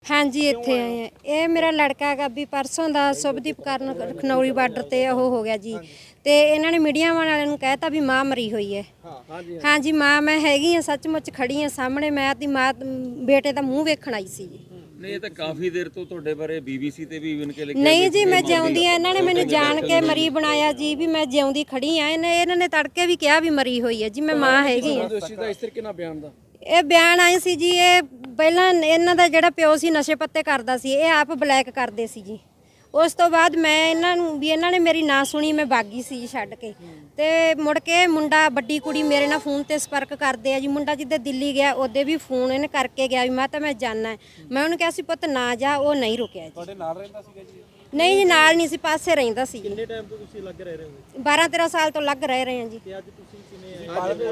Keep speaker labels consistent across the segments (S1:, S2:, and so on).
S1: हाँ जी, ਇੱਥੇ ਆਏ ਆ। ਇਹ ਮੇਰਾ ਲੜਕਾ ਹੈਗਾ ਵੀ ਪਰਸੋਂ ਦਾ ਸੁਭਦੀਪ ਕਰਨ ਖਨੌਰੀ ਬਾਰਡਰ ਤੇ ਉਹ ਹੋ ਗਿਆ ਜੀ ਤੇ ਇਹਨਾਂ ਨੇ ਮੀਡੀਆ ਵਾਲਿਆਂ ਨੂੰ ਕਹਿਤਾ ਵੀ ਮਾਂ ਮਰੀ ਹੋਈ ਹੈ। ਹਾਂ ਜੀ ਮਾਂ ਮੈਂ ਹੈਗੀ ਆ, ਸੱਚਮੁੱਚ ਖੜੀ ਆ ਸਾਹਮਣੇ। ਮੈਂ ਆਪਣੀ ਮਾਂ ਬੇਟੇ ਦਾ ਮੂੰਹ ਵੇਖਣ ਆਈ ਸੀ ਜੀ।
S2: ਨਹੀਂ ਇਹ ਤਾਂ ਕਾਫੀ ਦੇਰ ਤੋਂ ਤੁਹਾਡੇ ਬਾਰੇ BBC ਤੇ ਵੀ ਇਵਨ ਕੇ ਲਿਖਿਆ
S1: ਨਹੀਂ ਜੀ, ਮੈਂ ਜਿਉਂਦੀ ਆ। ਇਹਨਾਂ ਨੇ ਮੈਨੂੰ ਜਾਣ ਕੇ ਮਰੀ ਬਣਾਇਆ ਜੀ ਵੀ ਮੈਂ ਜਿਉਂਦੀ ਖੜੀ ਆ। ਇਹਨਾਂ ਨੇ ਤੜਕੇ ਵੀ ਕਿਹਾ ਵੀ ਮਰੀ ਹੋਈ ਹੈ ਜੀ। ਮੈਂ ਮਾਂ ਹੈਗੀ ਆ। ਇਹ ਬਿਆਨ ਆਏ ਸੀ ਜੀ। ਇਹ ਪਹਿਲਾਂ ਇਹਨਾਂ ਦਾ ਜਿਹੜਾ ਪਿਓ ਸੀ ਨਸ਼ੇ ਪੱਤੇ ਕਰਦਾ ਸੀ, ਇਹ ਆਪ ਬਲੈਕ ਕਰਦੇ ਸੀ ਜੀ। ਉਸ ਤੋਂ ਬਾਅਦ ਮੈਂ ਇਹਨਾਂ ਨੇ ਮੇਰੀ ਨਾ ਸੁਣੀ, ਮੈਂ ਬਾਗੀ ਸੀ ਜੀ ਛੱਡ ਕੇ। ਤੇ ਮੁੜ ਕੇ ਮੁੰਡਾ ਵੱਡੀ ਕੁੜੀ ਮੇਰੇ ਨਾਲ ਫੋਨ ਤੇ ਸੰਪਰਕ ਕਰਦੇ ਆ ਜੀ। ਮੁੰਡਾ ਜਿੱਦੇ ਦਿੱਲੀ ਗਿਆ ਉਹਦੇ ਵੀ ਫੋਨ ਇਹਨੇ ਕਰਕੇ ਗਿਆ ਵੀ ਮੈਂ ਤਾਂ ਮੈਂ ਜਾਣਾ। ਮੈਂ ਉਹਨੂੰ ਕਿਹਾ ਸੀ ਪੁੱਤ ਨਾ ਜਾ, ਉਹ ਨਹੀਂ ਰੁਕਿਆ ਜੀ। ਤੁਹਾਡੇ ਨਾਲ ਰਹਿੰਦਾ ਸੀਗਾ ਜੀ? ਨਹੀਂ ਜੀ, ਨਾਲ ਨਹੀਂ ਸੀ, ਪਾਸੇ ਰਹਿੰਦਾ ਸੀ।
S3: ਕਿੰਨੇ ਟਾਈਮ ਤੋਂ ਤੁਸੀਂ ਲੱਗ ਰਹੇ ਹੋ?
S1: 12-13 ਸਾਲ ਤੋਂ ਲੱਗ ਰਹੇ ਹਾਂ ਜੀ।
S3: ਤੇ ਅੱਜ ਤੁਸੀਂ ਕਿਵੇਂ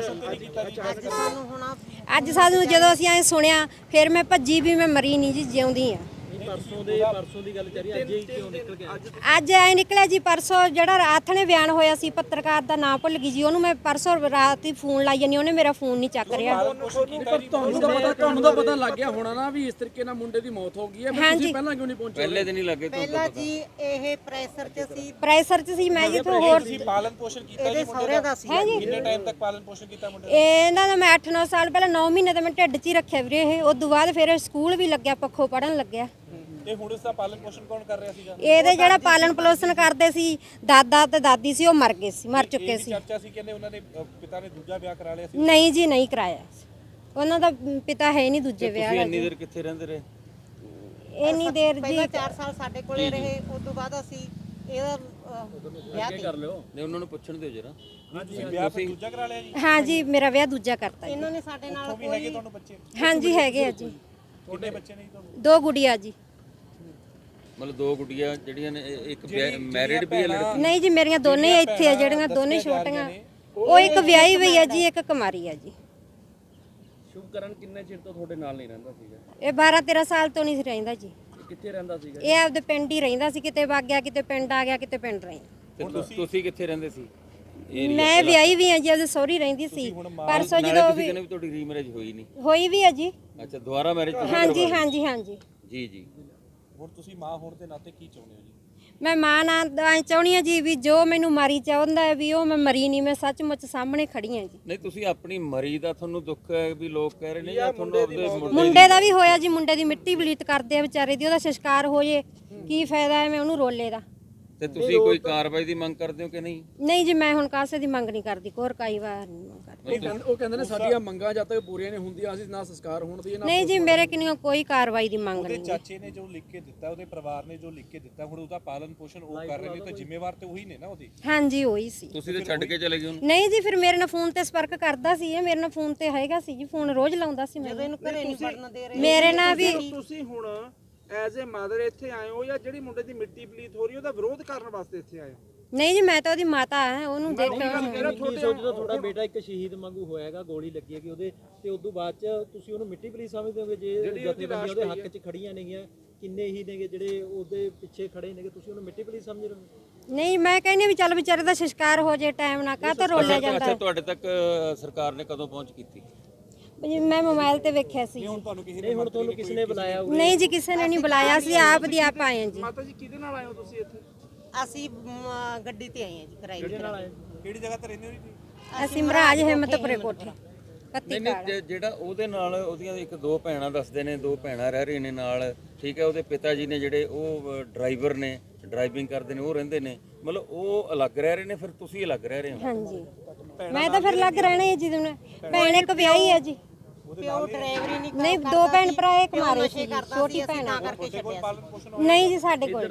S1: ਅੱਜ ਸਾਨੂੰ ਜਦੋਂ ਅਸੀਂ ਐ ਸੁਣਿਆ ਫਿਰ ਮੈਂ ਭੱਜੀ ਵੀ ਮੈਂ ਮਰੀ ਨਹੀਂ ਜੀ, ਜਿਉਂਦੀ ਆ।
S3: ਪਰਸੋਂ ਦੀ ਗੱਲ ਚੱਲ ਰਹੀ, ਅੱਜ ਹੀ ਕਿਉਂ ਨਿਕਲ ਗਿਆ?
S1: ਅੱਜ ਐ ਨਿਕਲਿਆ ਜੀ। ਪਰਸੋਂ ਜਿਹੜਾ ਰਾਤ ਨੇ ਬਿਆਨ ਹੋਇਆ ਸੀ, ਪੱਤਰਕਾਰ ਦਾ ਨਾਮ ਭੁੱਲ ਗਈ ਜੀ। ਉਹਨੂੰ ਮੈਂ ਪਰਸੋਂ ਰਾਤ ਹੀ ਫੋਨ ਲਾਈ ਜਾਨੀ, ਉਹਨੇ ਮੇਰਾ ਫੋਨ ਨਹੀਂ ਚੱਕ ਰਿਹਾ।
S4: ਤੁਹਾਨੂੰ ਤਾਂ ਪਤਾ ਲੱਗ ਗਿਆ ਹੋਣਾ ਨਾ ਵੀ ਇਸ ਤਰੀਕੇ ਨਾਲ ਮੁੰਡੇ ਦੀ ਮੌਤ ਹੋ ਗਈ ਹੈ। ਤੁਸੀਂ ਪਹਿਲਾਂ ਕਿਉਂ ਨਹੀਂ ਪਹੁੰਚੇ?
S2: ਪਹਿਲੇ ਦਿਨ ਹੀ ਲੱਗੇ
S5: ਪਹਿਲਾਂ ਜੀ ਇਹ ਪ੍ਰੈਸ਼ਰ ਚ ਸੀ
S1: ਮੈਂ ਜਿੱਥੋਂ ਹੋਰ
S4: ਪਾਲਣ ਪੋਸ਼ਣ ਕੀਤਾ
S5: ਇਹਦੇ ਸਹੁਰੇ ਦਾ ਸੀ।
S4: ਕਿੰਨੇ ਟਾਈਮ ਤੱਕ ਪਾਲਣ ਪੋਸ਼ਣ ਕੀਤਾ ਮੁੰਡੇ
S1: ਇਹਨਾਂ ਦਾ ਮੈਂ 8-9 ਸਾਲ ਪਹਿਲਾਂ 9 ਮਹੀਨੇ ਤਾਂ ਮੈਂ ਢਿੱਡ 'ਚ ਹੀ ਰੱਖਿਆ ਵੀਰੇ। ਇਹ ਉਸ ਤੋਂ ਬਾਅਦ ਫਿਰ ਸਕੂਲ ਵੀ ਲੱਗਿਆ, ਪੱਖੋਂ ਪੜਨ ਲੱਗਿਆ।
S4: ਤੇ ਹੁਣ ਇਸ ਦਾ ਪਾਲਣ ਪੋਸ਼ਣ ਕੌਣ ਕਰ ਰਿਹਾ ਸੀਗਾ?
S1: ਇਹਦੇ ਜਿਹੜਾ ਪਾਲਣ ਪੋਸ਼ਣ ਕਰਦੇ ਸੀ ਦਾਦਾ ਤੇ ਦਾਦੀ ਸੀ, ਉਹ ਮਰ ਗਏ ਸੀ, ਮਰ ਚੁੱਕੇ ਸੀ।
S4: ਚਰਚਾ ਸੀ ਕਹਿੰਦੇ ਉਹਨਾਂ ਦੇ ਪਿਤਾ ਨੇ ਦੂਜਾ ਵਿਆਹ ਕਰਾ ਲਿਆ ਸੀ।
S1: ਨਹੀਂ ਜੀ, ਨਹੀਂ ਕਰਾਇਆ। ਉਹਨਾਂ ਦਾ ਪਿਤਾ ਹੈ ਨਹੀਂ ਦੂਜੇ ਵਿਆਹ
S2: ਤੁਸੀਂ
S1: ਦਾ।
S2: ਇੰਨੀ ਦੇਰ ਕਿੱਥੇ ਰਹਿੰਦੇ ਰਹੇ?
S1: ਇੰਨੀ ਦੇਰ ਜੀ
S5: ਪਹਿਲਾਂ 4 ਸਾਲ ਸਾਡੇ ਕੋਲੇ ਰਹੇ। ਉਸ ਤੋਂ ਬਾਅਦ ਅਸੀਂ ਇਹਦਾ ਵਿਆਹ
S4: ਕਰ ਲਿਓ।
S2: ਨਹੀਂ ਉਹਨਾਂ ਨੂੰ ਪੁੱਛਣ ਦਿਓ ਜਰਾ।
S4: ਤੁਸੀਂ ਵਿਆਹ ਫਿਰ ਦੂਜਾ ਕਰਾ ਲਿਆ ਜੀ?
S1: ਹਾਂ ਜੀ, ਮੇਰਾ ਵਿਆਹ ਦੂਜਾ ਕਰਤਾ ਜੀ।
S5: ਇਹਨਾਂ ਨੇ ਸਾਡੇ ਨਾਲ
S4: ਵੀ ਹੈਗੇ ਤੁਹਾਨੂੰ ਬੱਚੇ?
S1: ਹਾਂ ਜੀ, ਹੈਗੇ ਆ ਜੀ।
S4: ਕਿੰਨੇ ਬੱਚੇ ਨੇ ਜੀ ਤੁਹਾਨੂੰ?
S1: 2 ਗੁੜੀਆਂ ਜੀ।
S2: ਮਤਲਬ 2 ਗੁੱਡੀਆਂ ਜਿਹੜੀਆਂ ਨੇ, ਇੱਕ ਮੈਰਿਡ ਵੀ ਹੈ ਲੜਕੀ?
S1: ਨਹੀਂ ਜੀ, ਮੇਰੀਆਂ ਦੋਨੇ ਇੱਥੇ ਆ, ਜਿਹੜੀਆਂ ਦੋਨੇ ਛੋਟੀਆਂ। ਉਹ ਇੱਕ ਵਿਆਹੀ ਹੋਈ ਹੈ ਜੀ, ਇੱਕ ਕੁਮਾਰੀ ਹੈ ਜੀ।
S3: ਸ਼ੁਭਕਰਨ ਕਿੰਨੇ ਚਿਰ ਤੋਂ ਤੁਹਾਡੇ ਨਾਲ ਨਹੀਂ ਰਹਿੰਦਾ ਸੀਗਾ?
S1: ਇਹ 12-13 ਸਾਲ ਤੋਂ ਨਹੀਂ ਸੀ ਰਹਿੰਦਾ ਜੀ।
S3: ਕਿੱਥੇ ਰਹਿੰਦਾ ਸੀਗਾ?
S1: ਇਹ ਆਪਦੇ ਪਿੰਡ ਹੀ ਰਹਿੰਦਾ ਸੀ। ਕਿਤੇ ਵਗ ਗਿਆ, ਕਿਤੇ ਪਿੰਡ ਆ ਗਿਆ, ਕਿਤੇ ਪਿੰਡ ਰਹਿ।
S2: ਤੇ ਤੁਸੀਂ ਕਿੱਥੇ ਰਹਿੰਦੇ ਸੀ?
S1: ਮੈਂ ਵਿਆਹੀ ਵੀ ਆ ਜੀ, ਉਹਦੇ ਸਹੁਰੀ ਰਹਿੰਦੀ ਸੀ। ਪਰਸੋਂ ਜਦੋਂ
S2: ਤੁਸੀਂ ਕਹਿੰਦੇ ਵੀ ਤੁਹਾਡੀ ਰੀਮੈਰਿਜ ਹੋਈ ਨਹੀਂ?
S1: ਹੋਈ ਵੀ ਆ ਜੀ।
S2: ਅੱਛਾ, ਦੁਬਾਰਾ ਮੈਰਿਜ?
S1: ਹਾਂ ਜੀ, ਹਾਂ ਜੀ, ਹਾਂ ਜੀ।
S2: ਜੀ ਜੀ।
S4: ਹੁਣ ਤੁਸੀਂ ਮਾਂ ਹੋਣ ਦੇ ਨਾਤੇ ਕੀ ਚਾਹੁੰਦੇ ਹੋ ਜੀ?
S1: ਮੈਂ ਮਾਂ ਨਾਲ ਚਾਹੁੰਦੀ ਆ ਜੀ ਵੀ ਜੋ ਮੈਨੂੰ ਮਾਰੀ ਚਾਹੁੰਦਾ ਹੈ ਵੀ ਉਹ ਮੈਂ ਮਰੀ ਨਹੀਂ। ਮੈਂ ਸੱਚਮੁੱਚ ਸਾਹਮਣੇ ਖੜੀ ਆ ਜੀ।
S2: ਨਹੀਂ ਤੁਸੀਂ ਆਪਣੀ ਮਰੀ ਦਾ ਤੁਹਾਨੂੰ ਦੁੱਖ ਹੈ ਵੀ ਲੋਕ ਕਹਿ ਰਹੇ ਨੇ, ਜਾਂ ਤੁਹਾਨੂੰ ਉਹਦੇ
S1: ਮੁੰਡੇ ਦਾ ਵੀ ਹੋਇਆ ਜੀ। ਮੁੰਡੇ ਦੀ ਮਿੱਟੀ ਬਲੀਤ ਕਰਦੇ ਆ ਵਿਚਾਰੇ ਦੀ, ਉਹਦਾ ਸੰਸਕਾਰ ਹੋ ਜੇ ਕੀ ਫਾਇਦਾ ਹੈ ਮੈਂ ਉਹਨੂੰ ਰੋਲੇ ਦਾ।
S2: ਤੇ ਤੁਸੀਂ ਕੋਈ ਕਾਰਵਾਈ ਦੀ ਮੰਗ ਕਰਦੇ ਹੋ ਕਿ ਨਹੀਂ?
S1: ਨਹੀਂ ਜੀ, ਮੈਂ ਹੁਣ ਕਾਸੇ ਦੀ ਮੰਗ ਨਹੀਂ ਕਰਦੀ, ਕੋਈ ਕਾਈ ਵਾਰ ਨਹੀਂ ਮੰਗ ਕਰਦੀ।
S4: ਉਹ ਕਹਿੰਦੇ ਨੇ ਸਾਡੀਆਂ ਮੰਗਾਂ ਜਦ ਤੱਕ ਪੂਰੀਆਂ ਨਹੀਂ ਹੁੰਦੀਆਂ ਅਸੀਂ ਨਾ ਸੰਸਕਾਰ ਹੋਣ ਦੀ
S1: ਨਹੀਂ ਜੀ, ਮੇਰੇ ਕਿੰਨੀ ਕੋਈ ਕਾਰਵਾਈ ਦੀ ਮੰਗ ਨਹੀਂ।
S4: ਚਾਚੇ ਨੇ ਜੋ ਲਿਖ ਕੇ ਦਿੱਤਾ, ਉਹਦੇ ਪਰਿਵਾਰ ਨੇ ਜੋ ਲਿਖ ਕੇ ਦਿੱਤਾ, ਹੁਣ ਉਹਦਾ ਪਾਲਣ ਪੋਸ਼ਣ ਉਹ ਕਰ ਰਹੇ ਨੇ, ਤਾਂ ਜ਼ਿੰਮੇਵਾਰ ਤੇ ਉਹੀ ਨੇ ਨਾ ਉਹਦੀ।
S1: ਹਾਂ ਜੀ, ਉਹੀ ਸੀ।
S2: ਤੁਸੀਂ ਤੇ ਛੱਡ ਕੇ ਚਲੇ ਗਏ ਉਹਨੂੰ?
S1: ਨਹੀਂ ਜੀ, ਫਿਰ ਮੇਰੇ ਨਾਲ ਫੋਨ ਤੇ ਸੰਪਰਕ ਕਰਦਾ ਸੀ। ਇਹ ਮੇਰੇ ਨਾਲ ਫੋਨ ਤੇ ਹੈਗਾ ਸੀ ਜੀ, ਫੋਨ ਰੋਜ਼ ਲਾਉਂਦਾ ਸੀ। ਮੈਂ
S5: ਇਹਨੂੰ ਘਰੇ ਨਹੀਂ ਵੜਨ ਦੇ ਰਹੇ।
S1: ਮੇਰੇ ਨਾਲ ਵੀ
S6: ਤੁਸੀਂ ਹੁਣ ਐਜ਼ ਅ ਮਦਰ ਇੱਥੇ ਆਏ ਹੋ ਜਾਂ ਜਿਹੜੀ ਮੁੰਡੇ ਦੀ ਮਿੱਟੀ ਪਲੀਤ ਹੋ ਰਹੀ ਉਹਦਾ ਵਿਰੋਧ ਕਰਨ ਵਾਸਤੇ ਇੱਥੇ ਆਏ ਹੋ?
S1: ਨਹੀਂ ਜੀ, ਮੈਂ ਤਾਂ ਉਹਦੀ ਮਾਤਾ ਹਾਂ, ਉਹਨੂੰ ਦੇਖੋ।
S3: ਕੀ ਸੋਚਦਾ ਤੁਹਾਡਾ ਬੇਟਾ ਇੱਕ ਸ਼ਹੀਦ ਵਾਂਗੂ ਹੋਇਆਗਾ, ਗੋਲੀ ਲੱਗੀ ਹੈਗੀ ਉਹਦੇ, ਤੇ ਉਸ ਤੋਂ ਬਾਅਦ ਚ ਤੁਸੀਂ ਉਹਨੂੰ ਮਿੱਟੀ ਪਲੀਤ ਸਮਝਦੇ ਹੋਗੇ? ਜੇ ਜਥੇਬੰਦੀਆਂ ਉਹਦੇ ਹੱਕ 'ਚ ਖੜੀਆਂ ਨੇਗੀਆਂ, ਕਿੰਨੇ ਹੀ ਨੇਗੇ ਜਿਹੜੇ ਉਹਦੇ ਪਿੱਛੇ ਖੜੇ ਨੇਗੇ, ਤੁਸੀਂ ਉਹਨੂੰ ਮਿੱਟੀ ਪਲੀਤ ਸਮਝ ਰਹੇ ਹੋ?
S1: ਨਹੀਂ, ਮੈਂ ਕਹਿੰਦੀ ਵੀ ਚੱਲ ਵਿਚਾਰੇ ਦਾ ਸੰਸਕਾਰ ਹੋ ਜੇ ਟਾਈਮ ਨਾਲ, ਕਾਹ ਤੋਂ ਰੋਲਿਆ ਜਾਂਦਾ।
S2: ਅੱਛਾ, ਤੁਹਾਡੇ ਤੱਕ ਸਰਕਾਰ ਨੇ ਕਦੋਂ ਪਹੁੰਚ ਕੀਤੀ?
S1: ਮੈਂ ਮੋਬਾਈਲ ਤੇ ਵੇਖਿਆ ਸੀ।
S3: ਨਹੀਂ, ਹੁਣ ਤੁਹਾਨੂੰ ਕਿਸ ਨੇ ਬੁਲਾਇਆ?
S1: ਨਹੀਂ ਜੀ, ਕਿਸੇ ਨੇ ਨਹੀਂ ਬੁਲਾਇਆ, ਅਸੀਂ ਆਪ ਦੀ ਆਪ ਆਏ ਹਾਂ ਜੀ।
S6: ਮਾਤਾ ਜੀ ਕਿਹਦੇ ਨਾਲ ਆਏ ਹੋ ਤੁਸੀਂ ਇੱਥੇ?
S5: ਅਸੀਂ ਗੱਡੀ ਤੇ ਆਏ ਹਾਂ ਜੀ, ਕਿਰਾਏ ਤੇ।
S4: ਕਿਹੜੀ ਜਗ੍ਹਾ ਤੇ ਰਹਿੰਦੇ ਹੋ ਜੀ?
S1: ਅਸੀਂ ਮਹਾਰਾਜ ਹਿੰਮਤਪੁਰੇ ਕੋਠੇ ਕੱਤੀ
S2: ਨਹੀਂ ਨਹੀਂ, ਜਿਹੜਾ ਉਹਦੇ ਨਾਲ ਉਹਦੀਆਂ 1-2 ਭੈਣਾਂ ਦੱਸਦੇ ਨੇ, 2 ਭੈਣਾਂ ਰਹਿ ਰਹੀਆਂ ਨੇ ਨਾਲ, ਠੀਕ ਹੈ। ਉਹਦੇ ਪਿਤਾ ਜੀ ਨੇ ਜਿਹੜੇ ਉਹ ਡਰਾਈਵਰ ਨੇ, ਡਰਾਈਵਿੰਗ ਕਰਦੇ ਨੇ, ਉਹ ਰਹਿੰਦੇ ਨੇ, ਮਤਲਬ ਉਹ ਅਲੱਗ ਰਹਿ ਰਹੇ ਨੇ, ਫਿਰ ਤੁਸੀਂ ਅਲੱਗ ਰਹਿ ਰਹੇ ਹੋ?
S1: ਹਾਂਜੀ, ਮੈਂ ਤਾਂ ਫਿਰ ਲੱਗ ਰਹਿਣਾ ਹੈ ਜੀ। ਭੈਣ ਇੱਕ ਵਿਆਹੀ ਹੈ ਜੀ।
S5: ਪਿਓ ਡਰਾਈਵਰੀ
S1: ਨਹੀਂ, 2 ਭੈਣ ਭਰਾ, ਇੱਕ ਮਾਰੇ ਸੀ, ਛੋਟੀ ਭੈਣ ਆ।
S5: ਕਰਕੇ ਛੱਡਿਆ ਸੀ।
S1: ਨਹੀਂ ਜੀ, ਸਾਡੇ ਕੋਲ।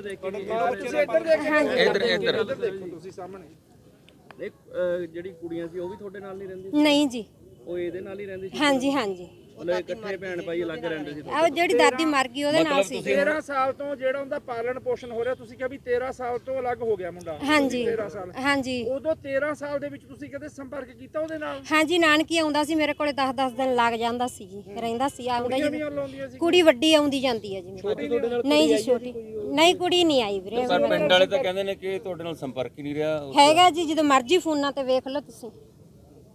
S2: ਇੱਧਰ
S6: ਦੇਖੋ ਤੁਸੀਂ ਸਾਹਮਣੇ।
S3: ਜਿਹੜੀ ਕੁੜੀਆਂ ਸੀ ਉਹ ਵੀ ਤੁਹਾਡੇ ਨਾਲ ਨਹੀਂ ਰਹਿੰਦੀ?
S1: ਨਹੀਂ ਜੀ,
S3: ਉਹ ਇਹਦੇ ਨਾਲ ਹੀ ਰਹਿੰਦੀ ਸੀ?
S1: ਹਾਂਜੀ ਹਾਂਜੀ।
S3: ਮਤਲਬ ਇਕੱਠੇ ਭੈਣ ਭਾਈ ਅਲੱਗ ਰਹਿੰਦੇ ਸੀ?
S1: ਆਹ ਜਿਹੜੀ ਦਾਦੀ ਮਰ ਗਈ ਉਹਦੇ ਨਾਲ ਸੀ।
S6: 13 ਸਾਲ ਤੋਂ ਜਿਹੜਾ ਉਹਦਾ ਪਾਲਣ ਪੋਸ਼ਣ ਹੋ ਰਿਹਾ, ਤੁਸੀਂ ਕਿਹਾ ਵੀ 13 ਸਾਲ ਤੋਂ ਅਲੱਗ ਹੋ ਗਿਆ ਮੁੰਡਾ।
S1: ਹਾਂਜੀ
S6: 13 ਸਾਲ।
S1: ਹਾਂਜੀ।
S6: ਉਦੋਂ 13 ਸਾਲ ਦੇ ਵਿੱਚ ਤੁਸੀਂ ਕਦੇ ਸੰਪਰਕ ਕੀਤਾ ਉਹਦੇ ਨਾਲ?
S1: ਹਾਂਜੀ, ਨਾਨਕੀ ਆਉਂਦਾ ਸੀ ਮੇਰੇ ਕੋਲੇ, 10-10 ਦਿਨ ਲੱਗ ਜਾਂਦਾ ਸੀ ਜੀ, ਰਹਿੰਦਾ ਸੀ, ਆਉਂਦਾ ਜੀ।
S6: ਲਾਉਂਦੀਆਂ ਸੀ?
S1: ਕੁੜੀ ਵੱਡੀ ਆਉਂਦੀ ਜਾਂਦੀ ਹੈ ਜੀ ਮੇਰੇ ਕੋਲ। ਨਹੀਂ ਜੀ, ਛੋਟੀ ਨਹੀਂ, ਕੁੜੀ ਨਹੀਂ ਆਈ ਵੀਰੇ।
S2: ਪਰ ਪਿੰਡ ਵਾਲੇ ਤਾਂ ਕਹਿੰਦੇ ਨੇ ਕਿ ਤੁਹਾਡੇ ਨਾਲ ਸੰਪਰਕ ਹੀ ਨਹੀਂ ਰਿਹਾ।
S1: ਹੈਗਾ ਜੀ, ਜਦੋਂ ਮਰਜ਼ੀ ਫੋਨਾਂ ਤੇ ਵੇਖ ਲਓ ਤੁਸੀਂ।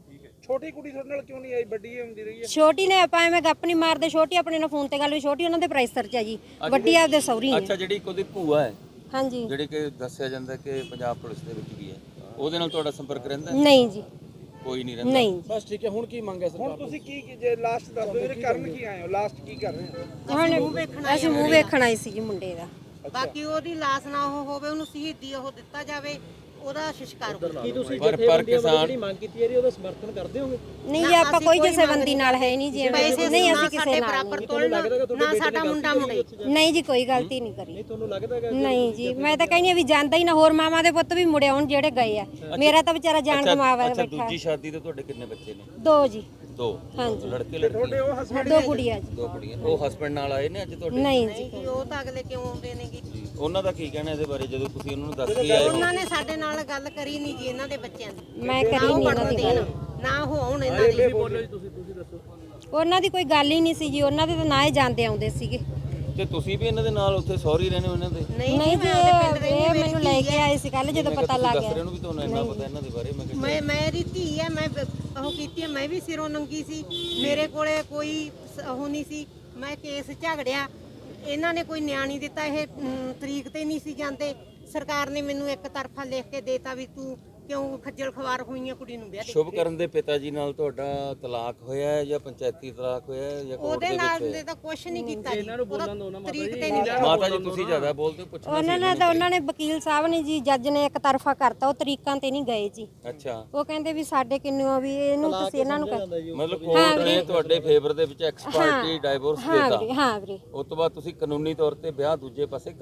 S6: ਛੋਟੀ ਕੁੜੀ ਤੁਹਾਡੇ ਨਾਲ ਕਿਉਂ ਨਹੀਂ ਆਈ? ਵੱਡੀ ਹੁੰਦੀ ਰਹੀ ਹੈ।
S1: ਛੋਟੀ ਨੇ ਆਪਾਂ ਐਵੇਂ ਗੱਪ ਨਹੀਂ ਮਾਰਦੇ, ਛੋਟੀ ਆਪਣੇ ਨਾਲ ਫੋਨ ਤੇ ਗੱਲ ਵੀ, ਛੋਟੀ ਉਹਨਾਂ ਦੇ ਪ੍ਰੈਸਰ 'ਚ ਹੈ ਜੀ, ਵੱਡੀ ਆਪਦੇ ਸਹੁਰੀ ਹੈ।
S2: ਅੱਛਾ, ਜਿਹੜੀ ਉਹਦੀ ਭੂਆ ਹੈ,
S1: ਹਾਂਜੀ।
S2: ਜਿਹੜੀ ਕਿ ਦੱਸਿਆ ਜਾਂਦਾ ਕਿ ਪੰਜਾਬ ਪੁਲਿਸ ਦੇ ਵਿੱਚ ਵੀ ਹੈ, ਉਹਦੇ ਨਾਲ ਤੁਹਾਡਾ ਸੰਪਰਕ ਰਹਿੰਦਾ?
S1: ਨਹੀਂ ਜੀ,
S2: ਕੋਈ ਨਹੀਂ ਰਹਿੰਦਾ।
S1: ਨਹੀਂ।
S4: ਬਸ ਠੀਕ ਹੈ। ਹੁਣ ਕੀ ਮੰਗ ਹੈ
S6: ਹੁਣ
S4: ਸਰਕਾਰ
S6: ਤੁਸੀਂ ਕੀ ਜੇ ਲਾਸਟ ਦੱਸ ਦਿਓ ਵੀਰੇ, ਕਰਨ ਕੀ ਆਏ ਹੋ? ਲਾਸਟ ਕੀ ਕਰ ਰਹੇ ਹੋ?
S1: ਹੁਣ ਅਸੀਂ ਮੂੰਹ ਵੇਖਣ ਆਏ ਸੀ ਜੀ ਮੁੰਡੇ ਦਾ।
S5: ਬਾਕੀ ਉਹਦੀ ਲਾਸ਼ ਨਾ ਉਹ ਹੋਵੇ, ਉਹਨੂੰ ਸ਼ਹੀਦੀ ਉਹ ਦਿੱਤਾ ਜਾਵੇ, ਉਹਦਾ ਸੰਸਕਾਰ ਹੋਵੇ।
S3: ਕੀ ਤੁਸੀਂ
S2: ਪਰ
S3: ਜਥੇਬੰਦੀਆਂ ਵੱਲੋਂ
S2: ਕਿਸਾਨ-
S3: ਜਿਹੜੀ ਮੰਗ ਕੀਤੀ ਹੈ ਉਹਦਾ ਸਮਰਥਨ ਕਰਦੇ ਹੋਗੇ?
S1: ਨਹੀਂ ਜੀ, ਆਪਾਂ ਕੋਈ ਕਿਸੇ ਨਾਲ ਹੈ ਨਹੀਂ ਜੀ,
S5: ਪੈਸੇ
S1: ਨਹੀਂ
S5: ਨਾ
S1: ਅਸੀਂ ਕਿਸੇ
S5: ਸਾਡੇ
S1: ਨਾਲ
S5: ਬਰਾਬਰ ਤੋਲਣਾ, ਨਾ ਸਾਡਾ ਮੁੰਡਾ ਮੁੰਡੇ।
S1: ਨਹੀਂ ਜੀ, ਕੋਈ ਗਲਤੀ ਨਹੀਂ ਕਰੀ।
S3: ਨਹੀਂ ਤੁਹਾਨੂੰ ਲੱਗਦਾ ਹੈਗਾ
S1: ਨਹੀਂ ਜੀ, ਮੈਂ ਤਾਂ ਕਹਿੰਦੀ ਆ ਵੀ ਜਾਂਦਾ ਹੀ ਨਾ, ਹੋਰ ਮਾਵਾਂ ਦੇ ਪੁੱਤ ਵੀ ਮੁੜੇ ਆਉਣ ਜਿਹੜੇ ਗਏ ਆ। ਮੇਰਾ ਤਾਂ ਵਿਚਾਰਾ ਜਾਨ ਗਵਾਵਾ
S2: ਅੱਛਾ,
S1: ਬੈਠਾ।
S2: ਦੂਜੀ ਸ਼ਾਦੀ ਤੇ ਤੁਹਾਡੇ ਕਿੰਨੇ ਬੱਚੇ ਨੇ?
S1: 2 ਜੀ।
S2: 2?
S1: ਹਾਂਜੀ।
S2: ਲੜਕੇ ਲੜਕੀ?
S6: ਉਹ ਹਸਬੰਡ
S1: 2 ਕੁੜੀਆਂ ਜੀ।
S2: 2 ਕੁੜੀਆਂ। ਉਹ ਹਸਬੰਡ ਨਾਲ ਆਏ ਨੇ ਅੱਜ ਤੁਹਾਡੇ?
S1: ਨਹੀਂ
S5: ਨਹੀਂ ਜੀ, ਉਹ ਤਾਂ ਅਗਲੇ ਕਿਉਂ ਆਉਂਦੇ ਨੇਗੇ?
S2: ਜੀ, ਉਹਨਾਂ ਦਾ ਕੀ ਕਹਿਣਾ ਇਹਦੇ ਬਾਰੇ ਜਦੋਂ ਤੁਸੀਂ ਉਹਨਾਂ ਨੂੰ ਦੱਸ ਕੇ ਆਏ ਹੋ?
S5: ਉਹਨਾਂ ਨੇ ਸਾਡੇ ਨਾਲ ਗੱਲ ਕਰੀ ਨਹੀਂ ਜੀ, ਇਹਨਾਂ ਦੇ ਬੱਚਿਆਂ ਦੀ।
S1: ਮੈਂ ਕਰੀ ਨਹੀਂ ਇਹਨਾਂ ਦੀ ਗੱਲ।
S5: ਨਾ ਉਹ ਆਉਣ ਇਹਨਾਂ ਦੀ।
S3: ਤੁਸੀਂ ਦੱਸੋ।
S1: ਉਹਨਾਂ ਦੀ ਕੋਈ ਗੱਲ ਹੀ ਨਹੀਂ ਸੀ ਜੀ, ਉਹਨਾਂ ਦੇ ਤਾਂ ਨਾ ਹੀ ਜਾਂਦੇ ਆਉਂਦੇ ਸੀਗੇ।
S2: ਤੇ ਤੁਸੀਂ ਵੀ ਇਹਨਾਂ ਦੇ ਨਾਲ ਉੱਥੇ ਸੌਰੀ ਰਹਿੰਦੇ ਹੋ ਇਹਨਾਂ ਦੇ?
S5: ਨਹੀਂ
S1: ਨਹੀਂ ਜੀ,
S5: ਮੈਂ ਉਹਦੇ ਪਿੰਡ
S1: ਇਹ
S5: ਰਹਿੰਦੀ,
S1: ਮੈਨੂੰ ਲੈ ਕੇ ਆਏ ਸੀ ਕੱਲ ਜਦੋਂ ਪਤਾ ਲੱਗ
S2: ਦੱਸ
S1: ਗਿਆ।
S2: ਰਹੇ ਨੂੰ ਵੀ ਤੁਹਾਨੂੰ ਇੰਨਾ ਪਤਾ ਇਹਨਾਂ ਦੇ ਬਾਰੇ? ਮੈਂ ਕਿਹਾ
S5: ਮੇਰੀ ਧੀ ਹੈ, ਮੈਂ ਉਹ ਕੀਤੀ ਹੈ, ਮੈਂ ਵੀ ਸਿਰੋਂ ਨੰਗੀ ਸੀ, ਮੇਰੇ ਕੋਲੇ ਕੋਈ ਉਹ ਨਹੀਂ ਸੀ, ਮੈਂ ਕੇਸ ਝਗੜਿਆ, ਇਹਨਾਂ ਨੇ ਕੋਈ ਨਿਆਂ ਨਹੀਂ ਦਿੱਤਾ, ਇਹ ਤਰੀਕ ਤੇ ਨਹੀਂ ਸੀ ਜਾਂਦੇ, ਸਰਕਾਰ ਨੇ ਮੈਨੂੰ ਇੱਕ ਤਰਫਾ ਲਿਖ ਕੇ ਦੇਤਾ ਵੀ ਤੂੰ ਕਿਉਂ ਖੱਜਲ ਖਵਾਰ ਹੋਈਆਂ ਕੁੜੀ ਨੂੰ ਵਿਆਹ ਦੇ।
S2: ਸ਼ੁਭ ਕਰਨ ਦੇ ਪਿਤਾ ਜੀ ਨਾਲ ਤੁਹਾਡਾ ਤਲਾਕ ਹੋਇਆ ਹੈ ਜਾਂ ਪੰਚਾਇਤੀ ਤਲਾਕ ਹੋਇਆ ਹੈ ਜਾਂ ਕੋਰਟ
S5: ਉਹਦੇ
S2: ਦੇ
S5: ਨਾਲ
S2: ਵਿੱਚ?
S5: ਦੇ ਤਾਂ ਕੁਝ ਨਹੀਂ ਕੀਤਾ ਜੀ, ਉਹਦਾ ਤਰੀਕ ਤੇ ਨਹੀਂ
S2: ਮਾਤਾ ਜੀ ਤੁਸੀਂ ਜ਼ਿਆਦਾ ਬੋਲਦੇ ਹੋ, ਪੁੱਛਣਾ
S1: ਉਹਨਾਂ ਨੇ ਵਕੀਲ ਸਾਹਿਬ ਨੇ ਜੀ, ਜੱਜ ਨੇ ਇੱਕ ਤਰਫਾ ਕਰਤਾ, ਉਹ ਤਰੀਕਾਂ ਤੇ ਨਹੀਂ ਗਏ ਜੀ।
S2: ਅੱਛਾ,
S1: ਉਹ ਕਹਿੰਦੇ ਵੀ ਸਾਡੇ ਕਿੰਨੂ ਵੀ ਇਹਨੂੰ ਤੁਸੀਂ ਇਹਨਾਂ ਨੂੰ ਕਰ।
S2: ਮਤਲਬ ਕੋਰਟ ਨੇ ਤੁਹਾਡੇ ਫੇਵਰ ਦੇ ਵਿੱਚ ਐਕਸਪਰਟੀ ਡਾਈਵੋਰਸ
S1: ਹਾਂ
S2: ਦਿੱਤਾ,
S1: ਵੀਰੇ, ਹਾਂ ਵੀਰੇ।
S2: ਉਸ ਤੋਂ ਬਾਅਦ ਤੁਸੀਂ ਕਾਨੂੰਨੀ ਤੌਰ ਤੇ ਵਿਆਹ ਦੂਜੇ ਪਾਸੇ